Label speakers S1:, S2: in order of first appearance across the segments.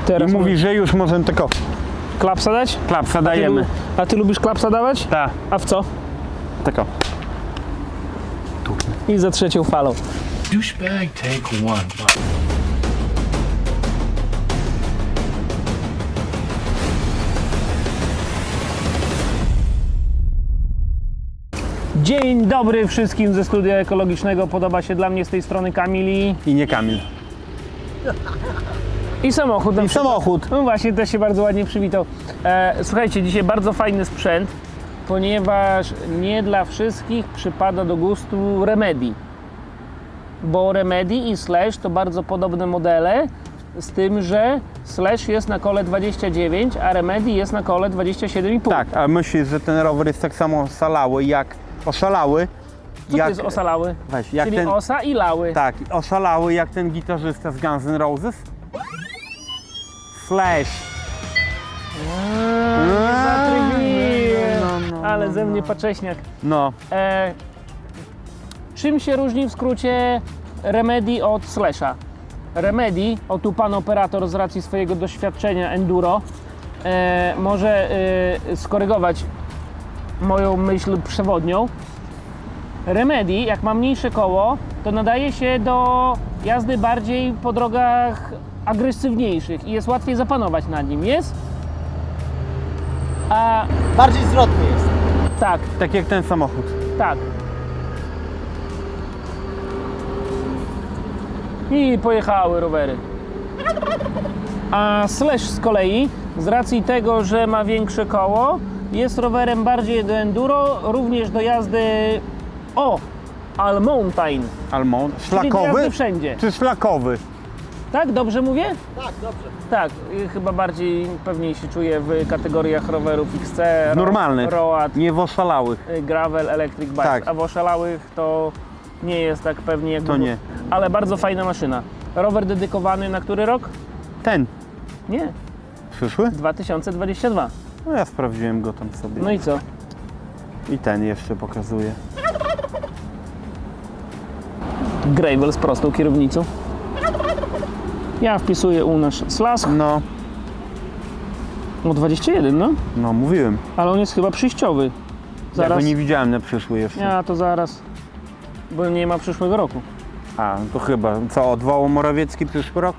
S1: Teraz
S2: I mówi, że już możemy tylko
S1: klapsa dać?
S2: klapsa dajemy.
S1: A ty lubisz klapsa dawać?
S2: Tak,
S1: A w co?
S2: tylko.
S1: I za trzecią falą.
S3: Douchebag take one.
S1: Dzień dobry wszystkim ze studia ekologicznego. Podoba się dla mnie z tej strony Kamili.
S2: I nie Kamil.
S1: I samochód.
S2: I samochód.
S1: No właśnie, też się bardzo ładnie przywitał. Słuchajcie, dzisiaj bardzo fajny sprzęt, ponieważ nie dla wszystkich przypada do gustu Remedy. Bo Remedy i Slash to bardzo podobne modele, z tym, że Slash jest na kole 29, a Remedy jest na kole 27,5.
S2: Tak, a myślisz, że ten rower jest tak samo oszalały jak oszalały?
S1: Co to jest osalały?
S2: Weź, jak
S1: Czyli
S2: ten,
S1: osa i lały.
S2: tak, oszalały jak ten gitarzysta z Guns N' Roses? Slash.
S1: Nie zatrybiłem.
S2: no,
S1: Ale ze mnie pacześniak.
S2: No,
S1: Czym się różni w skrócie Remedy od Slasha? Remedy, o tu pan operator z racji swojego doświadczenia enduro może skorygować moją myśl przewodnią. Remedy, jak ma mniejsze koło, to nadaje się do jazdy bardziej po drogach agresywniejszych i jest łatwiej zapanować nad nim, jest? A
S4: Bardziej zwrotny jest.
S1: tak,
S2: tak jak ten samochód.
S1: tak. I pojechały rowery. A Slash z kolei, z racji tego, że ma większe koło, jest rowerem bardziej do enduro, również do jazdy all mountain,
S2: Almond.
S1: czyli do
S2: Szlakowy?
S1: jazdy wszędzie.
S2: Czy szlakowy?
S1: Tak, dobrze mówię?
S4: Tak, dobrze.
S1: Tak, chyba bardziej pewniej się czuję w kategoriach rowerów XC,
S2: Normalnych.
S1: Road,
S2: Nie w oszalałych.
S1: Gravel, Electric Bike,
S2: Tak.
S1: a w oszalałych to nie jest tak pewnie jak
S2: To nie.
S1: Ale bardzo fajna maszyna. Rower dedykowany na który rok?
S2: Ten.
S1: Nie,
S2: Przyszły?
S1: 2022.
S2: No ja sprawdziłem go tam sobie.
S1: No i co?
S2: I ten jeszcze pokazuje.
S1: Gravel z prostą kierownicą. Ja wpisuję u nas Slash.
S2: No,
S1: No 21, no.
S2: no mówiłem.
S1: Ale on jest chyba przyjściowy.
S2: Ja
S1: Zaraz.
S2: go nie widziałem na przyszły jeszcze.
S1: Ja to zaraz. Bo nie ma przyszłego roku.
S2: A, to chyba. Co, odwołał Morawiecki przyszły rok?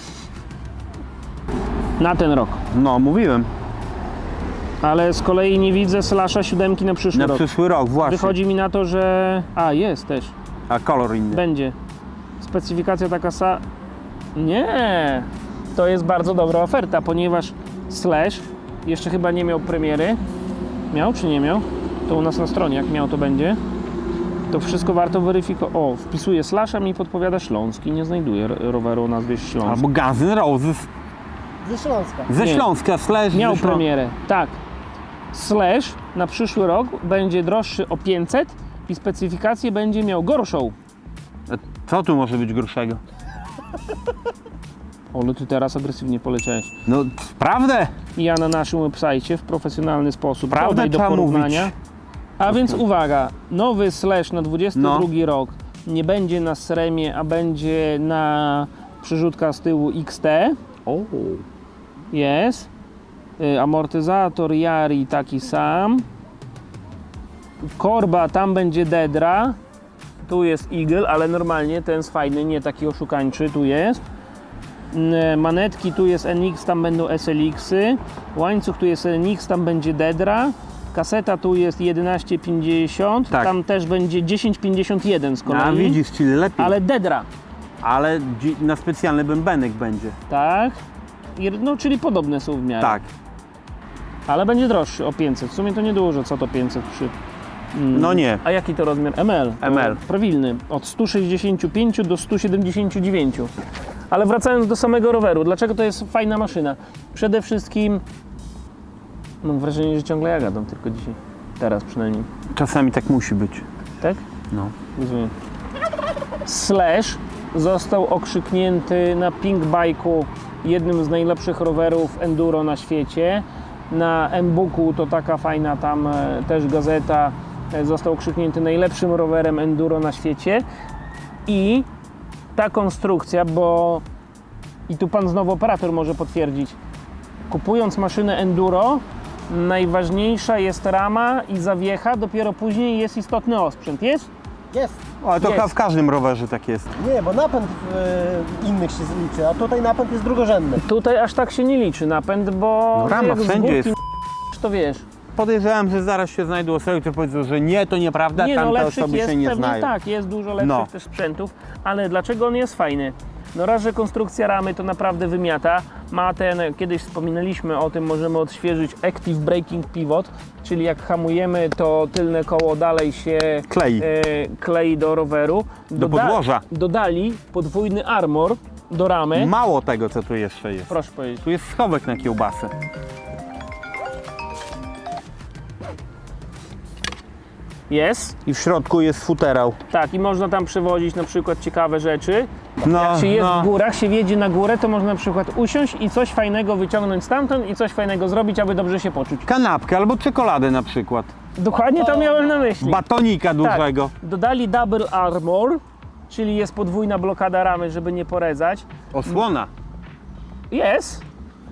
S1: Na ten rok.
S2: No, mówiłem.
S1: Ale z kolei nie widzę Slasha 7 na przyszły
S2: Na
S1: rok.
S2: przyszły rok, właśnie.
S1: Wychodzi mi na to, że... A, jest też.
S2: A kolor inny.
S1: Będzie. Specyfikacja taka Nie! To jest bardzo dobra oferta, ponieważ Slash jeszcze chyba nie miał premiery. Miał czy nie miał? To u nas na stronie, jak miał to będzie. To wszystko warto weryfikować. O, wpisuję Slash, a mi podpowiada Śląski. Nie znajduję roweru o nazwie Śląsk.
S2: Albo Guns N' Roses.
S4: Ze Śląska.
S2: Ze
S1: Nie.
S2: Śląska, Slash
S1: Miał
S2: ze Ślą-
S1: premierę, tak. Slash na przyszły rok będzie droższy o 500 i specyfikację będzie miał gorszą.
S2: Co tu może być gorszego?
S1: Ale ty teraz agresywnie poleciałeś.
S2: No, prawdę?
S1: Ja na naszym website w profesjonalny sposób
S2: Prawdę
S1: dodaj do
S2: trzeba
S1: porównania.
S2: mówić.
S1: A więc uwaga, nowy Slash na 22
S2: No.
S1: rok nie będzie na Sremie, a będzie na przerzutka z tyłu XT.
S2: O.
S1: Jest. Amortyzator Yari taki sam. Korba, tam będzie Dedra. Tu jest Eagle, ale normalnie ten jest fajny, nie taki oszukańczy, tu jest. Manetki, tu jest NX, tam będą SLX-y. Łańcuch, tu jest NX, tam będzie Dedra. Kaseta tu jest 1150,
S2: Tak.
S1: tam też będzie 1051 z kolei.
S2: A widzisz, czyli lepiej.
S1: Ale Dedra,
S2: Ale na specjalny bębenek będzie.
S1: tak? No, czyli podobne są w miarę.
S2: Tak.
S1: Ale będzie droższy o 500. W sumie to niedużo, co to 500 przy...
S2: No nie.
S1: A jaki to rozmiar? ML.
S2: ML.
S1: Prawilny. Od 165 do 179. Ale wracając do samego roweru, dlaczego to jest fajna maszyna? Przede wszystkim mam wrażenie, że ciągle ja gadam, tylko dzisiaj. Teraz przynajmniej.
S2: Czasami tak musi być.
S1: Tak?
S2: No.
S1: Rozumiem. Slash został okrzyknięty na Pink Bike'u jednym z najlepszych rowerów enduro na świecie. Na M-Booku to taka fajna tam też gazeta, został okrzyknięty najlepszym rowerem enduro na świecie. I ta konstrukcja, bo i tu pan znowu operator może potwierdzić, kupując maszynę enduro, najważniejsza jest rama i zawiecha, dopiero później jest istotny osprzęt. Jest?
S4: Jest.
S2: Ale to
S1: Jest.
S2: chyba w każdym rowerze tak jest.
S4: Nie, bo napęd innych się liczy, a tutaj napęd jest drugorzędny.
S1: Tutaj aż tak się nie liczy napęd, bo
S2: No rama
S1: jak z
S2: wszędzie
S1: górki
S2: jest.
S1: to wiesz.
S2: Podejrzewam, że zaraz się znajdą osoby, które powiedzą, że nie, to nieprawda,
S1: Nie, no
S2: tamte
S1: lepszych
S2: osoby
S1: jest
S2: się nie
S1: pewnie
S2: znają.
S1: tak, jest dużo lepszych
S2: No.
S1: też sprzętów, ale dlaczego on jest fajny? No raz, że konstrukcja ramy to naprawdę wymiata. Ma ten, kiedyś wspominaliśmy o tym, możemy odświeżyć Active Braking Pivot, czyli jak hamujemy, to tylne koło dalej się
S2: Klei.
S1: klei do roweru.
S2: Do podłoża.
S1: Dodali podwójny armor do ramy.
S2: Mało tego, co tu jeszcze jest.
S1: Proszę powiedzieć.
S2: Tu jest schowek na kiełbasę.
S1: Jest.
S2: I w środku jest futerał.
S1: Tak, i można tam przewozić na przykład ciekawe rzeczy.
S2: No,
S1: Jak się jest
S2: no.
S1: w górach, się wjedzie na górę, to można na przykład usiąść i coś fajnego wyciągnąć stamtąd i coś fajnego zrobić, aby dobrze się poczuć.
S2: Kanapkę albo czekoladę na przykład.
S1: Dokładnie to miałem na myśli.
S2: Batonika dużego.
S1: Dodali Double Armor, czyli jest podwójna blokada ramy, żeby nie porezać.
S2: Osłona.
S1: Jest.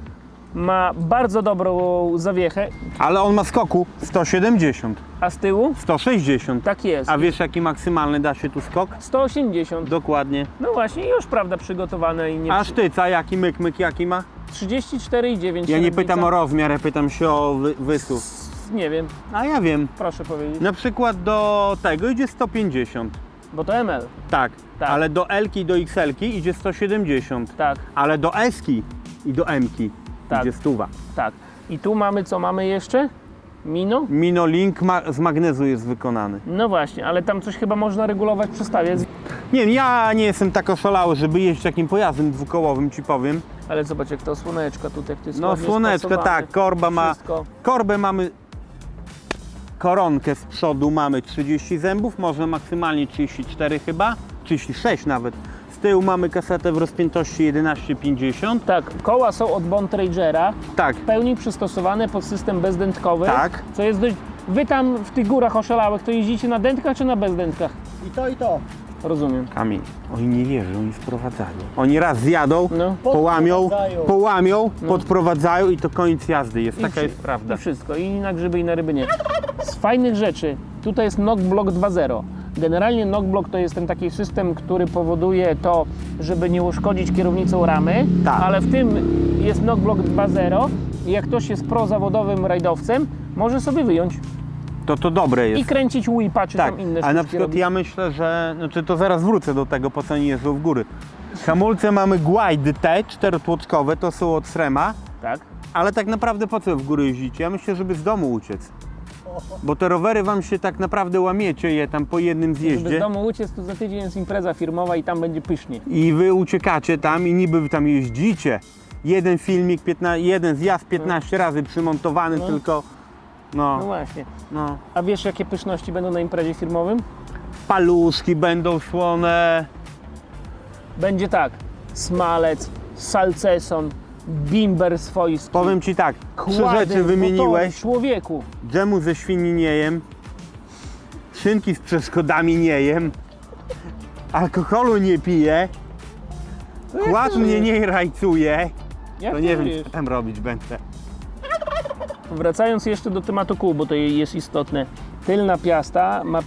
S1: Ma bardzo dobrą zawiechę,
S2: Ale on ma skoku 170,
S1: a z tyłu
S2: 160.
S1: tak jest.
S2: A wiesz jaki maksymalny da się tu skok?
S1: 180.
S2: Dokładnie.
S1: No właśnie, już prawda przygotowane i nie.
S2: A sztyca jaki myk jaki ma?
S1: 34,9.
S2: Ja nie pytam o rozmiar, ja pytam się o wysuw.
S1: Nie wiem,
S2: A ja wiem.
S1: proszę powiedzieć.
S2: Na przykład do tego idzie 150.
S1: Bo to ML.
S2: Tak.
S1: Tak.
S2: Ale do L-ki i do XL-ki idzie 170.
S1: Tak,
S2: Ale do S-ki i do M-ki
S1: Tak.
S2: idzie 100.
S1: tak. I tu mamy co mamy jeszcze? Mino?
S2: Minolink z magnezu jest wykonany.
S1: No właśnie, ale tam coś chyba można regulować przestawiać.
S2: Nie wiem, ja nie jestem tak oszalały, żeby jeździć takim pojazdem dwukołowym, ci powiem.
S1: Ale zobacz jak to słoneczka tutaj, jak to jest
S2: No
S1: ładnie
S2: słoneczko,
S1: spasowane.
S2: tak, korba ma,
S1: Wszystko.
S2: korbę mamy, koronkę z przodu mamy 30 zębów, można maksymalnie 34 chyba, 36 nawet. Z tyłu mamy kasetę w rozpiętości 11,50.
S1: Tak, koła są od Bontragera,
S2: Tak,
S1: w pełni przystosowane pod system bezdętkowy.
S2: Tak.
S1: Co jest dość... Wy tam w tych górach oszalałych, to jeździcie na dętkach czy na bezdętkach?
S4: I to, i to.
S1: Rozumiem.
S2: Kamil, oni nie wierzą, oni sprowadzają. Oni raz zjadą,
S1: No.
S2: połamią, podprowadzają i to koniec jazdy jest,
S1: I
S2: taka
S1: wszy-
S2: jest prawda.
S1: I wszystko, i na grzyby, i na ryby nie. Z fajnych rzeczy, tutaj jest Knockblock 2.0. Generalnie Knockblock to jest ten taki system, który powoduje to, żeby nie uszkodzić kierownicą ramy,
S2: Tak.
S1: ale w tym jest Knockblock 2.0 i jak ktoś jest prozawodowym rajdowcem, może sobie wyjąć
S2: To dobre jest.
S1: i kręcić whipa czy
S2: Tak,
S1: tam inne
S2: ale na
S1: sztuczki
S2: przykład
S1: robić.
S2: ja myślę, że, znaczy to zaraz wrócę do tego, po co oni jeżdżą w góry. Hamulce mamy Glide T, 4-tłoczkowe, to są od Srema,
S1: Tak?
S2: ale tak naprawdę po co w góry jeździcie? Ja myślę, żeby z domu uciec. Bo te rowery wam się tak naprawdę łamiecie je tam po jednym
S1: Żeby z
S2: zjeździe
S1: domu uciec, to za tydzień jest impreza firmowa i tam będzie pysznie.
S2: i wy uciekacie tam i niby wy tam jeździcie. Jeden filmik, jeden zjazd 15 razy przymontowany,
S1: No.
S2: tylko
S1: No
S2: no,
S1: właśnie.
S2: no.
S1: A wiesz jakie pyszności będą na imprezie firmowym?
S2: Paluszki będą słone.
S1: Będzie tak, smalec, salceson, bimber swojski.
S2: Powiem ci tak, trzy
S1: kłady,
S2: rzeczy wymieniłeś.
S1: motory, człowieku.
S2: Dżemu ze świni nie jem, szynki z przeszkodami nie jem, alkoholu nie piję,
S1: No
S2: kład mnie nie rajcuje,
S1: Jak
S2: to
S1: ty
S2: nie wiem
S1: żyjesz?
S2: co tam robić będę.
S1: Wracając jeszcze do tematu kół, bo to jest istotne. Tylna piasta ma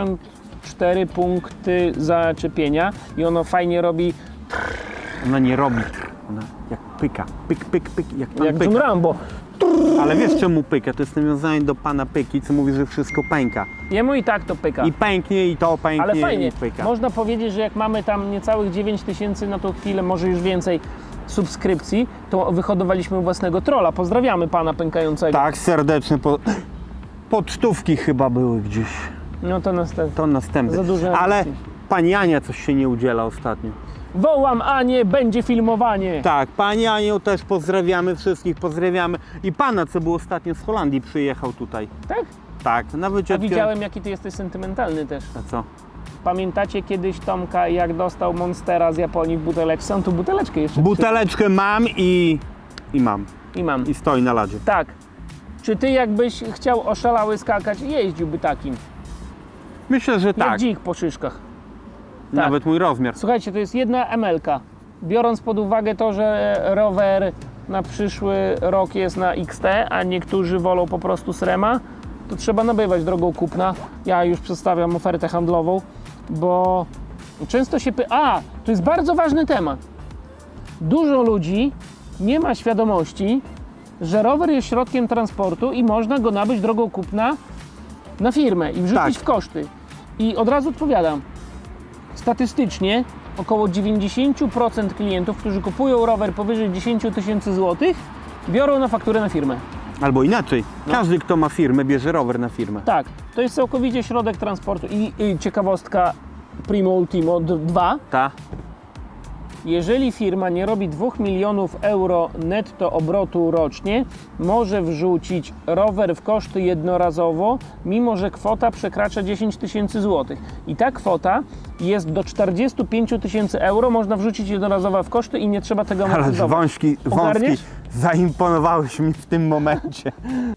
S1: 54 punkty zaczepienia i ono fajnie robi
S2: Ona nie robi, ona jak pyka, pyk, pyk, pyk, jak pan
S1: jak John
S2: pyka.
S1: Rambo.
S2: Ale wiesz czemu pyka? To jest nawiązanie do pana Pyki, co mówi, że wszystko pęka.
S1: Jemu i tak to pyka.
S2: I pęknie, i to pęknie,
S1: Ale fajnie,
S2: i pyka.
S1: można powiedzieć, że jak mamy tam niecałych 9000 na tą chwilę, może już więcej subskrypcji, to wyhodowaliśmy własnego trolla. Pozdrawiamy pana pękającego.
S2: Tak, serdeczne, pocztówki chyba były gdzieś.
S1: No to następne.
S2: To następne.
S1: Za duże
S2: Ale
S1: emocje.
S2: pani Ania coś się nie udziela ostatnio.
S1: Wołam Anię, będzie filmowanie.
S2: Tak, pani Anią też pozdrawiamy, wszystkich pozdrawiamy. I pana, co był ostatnio z Holandii, przyjechał tutaj.
S1: Tak?
S2: Tak, na
S1: A
S2: wycieczkę.
S1: widziałem, jaki ty jesteś sentymentalny też.
S2: A co?
S1: Pamiętacie kiedyś Tomka, jak dostał Monstera z Japonii w buteleczce? On tu buteleczkę jeszcze
S2: Buteleczkę mam i mam.
S1: i mam.
S2: I stoi na ladzie.
S1: Tak. Czy ty jakbyś chciał oszalały skakać, jeździłby takim?
S2: Myślę, że
S1: Jak
S2: tak.
S1: dzik po szyszkach.
S2: Nawet mój rozmiar.
S1: Słuchajcie, to jest jedna ML-ka. biorąc pod uwagę to, że rower na przyszły rok jest na XT, a niektórzy wolą po prostu Srema, to trzeba nabywać drogą kupna. Ja już przedstawiam ofertę handlową, bo często się to jest bardzo ważny temat. Dużo ludzi nie ma świadomości, że rower jest środkiem transportu i można go nabyć drogą kupna na firmę i wrzucić w koszty. I od razu odpowiadam, statystycznie około 90% klientów, którzy kupują rower powyżej 10 000 złotych, biorą na fakturę na firmę.
S2: Albo inaczej, każdy kto ma firmę bierze rower na firmę.
S1: Tak, to jest całkowicie środek transportu i ciekawostka Primo Ultimo 2.
S2: Ta.
S1: Jeżeli firma nie robi 2 milionów euro netto obrotu rocznie, może wrzucić rower w koszty jednorazowo, mimo że kwota przekracza 10 000 złotych. I ta kwota jest do 45 000 euro, można wrzucić jednorazowo w koszty i nie trzeba tego
S2: Ale
S1: amortyzować.
S2: wąski,
S1: Ogarniesz?
S2: zaimponowałeś mi w tym momencie.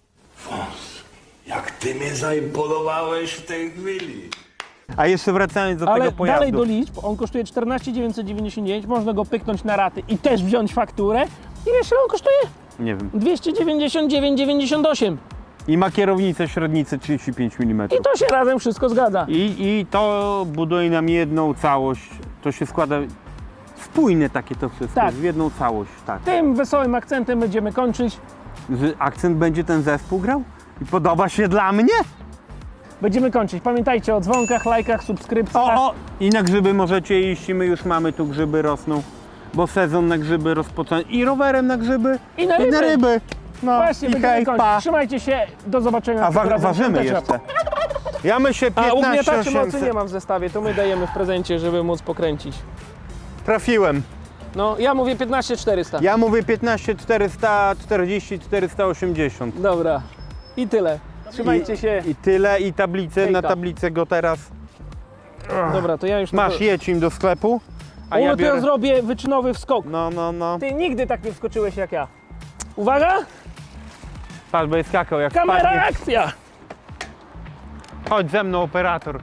S3: Jak ty mnie zaimponowałeś w tej chwili.
S2: A jeszcze wracając do
S1: Ale
S2: tego pojazdu.
S1: dalej do liczb, on kosztuje 14 999, można go pyknąć na raty i też wziąć fakturę. Ile on kosztuje?
S2: Nie wiem.
S1: 299,98.
S2: I ma kierownicę średnicy 35 mm.
S1: I to się razem wszystko zgadza.
S2: I to buduje nam jedną całość. To się składa spójne takie to wszystko,
S1: Tak.
S2: w jedną całość. Tak.
S1: Tym wesołym akcentem będziemy kończyć.
S2: Że akcent będzie ten zespół grał? I podoba się dla mnie?
S1: Będziemy kończyć. Pamiętajcie o dzwonkach, lajkach, subskrypcjach.
S2: I na grzyby możecie iść i my już mamy tu grzyby rosną. Bo sezon na grzyby rozpoczął. I rowerem na grzyby.
S1: I na ryby.
S2: No
S1: Właśnie,
S2: i
S1: będziemy
S2: hej,
S1: kończyć.
S2: pa.
S1: Trzymajcie się, do zobaczenia.
S2: A
S1: razem.
S2: ważymy
S1: Piąteczka.
S2: jeszcze. Ja myślę
S1: A ugniataczy
S2: 15
S1: mocy nie mam w zestawie, to my dajemy w prezencie, żeby móc pokręcić.
S2: Trafiłem.
S1: No, ja mówię 15 400.
S2: Ja mówię 15 440 480.
S1: Dobra. I tyle. Trzymajcie się.
S2: I tyle, i tablicę,
S1: Hejka.
S2: na tablicę go teraz.
S1: Dobra, to ja już...
S2: Masz, jedź im do sklepu, a
S1: to
S2: ja
S1: ja
S2: biorę...
S1: zrobię wyczynowy wskok.
S2: No.
S1: Ty nigdy tak nie wskoczyłeś jak ja. Uwaga!
S2: Patrz, bo jest skakał jak
S1: Kamera,
S2: spadnie.
S1: akcja!
S2: Chodź ze mną, operator.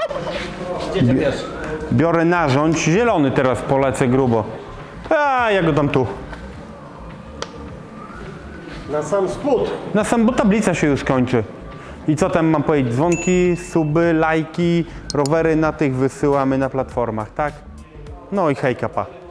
S2: Biorę narząd, zielony teraz polecę grubo. A ja go dam tu.
S4: Na sam spód.
S2: Na sam, bo tablica się już kończy. I co tam mam powiedzieć? Dzwonki, suby, lajki, rowery na tych wysyłamy na platformach, tak? No i hejka, pa.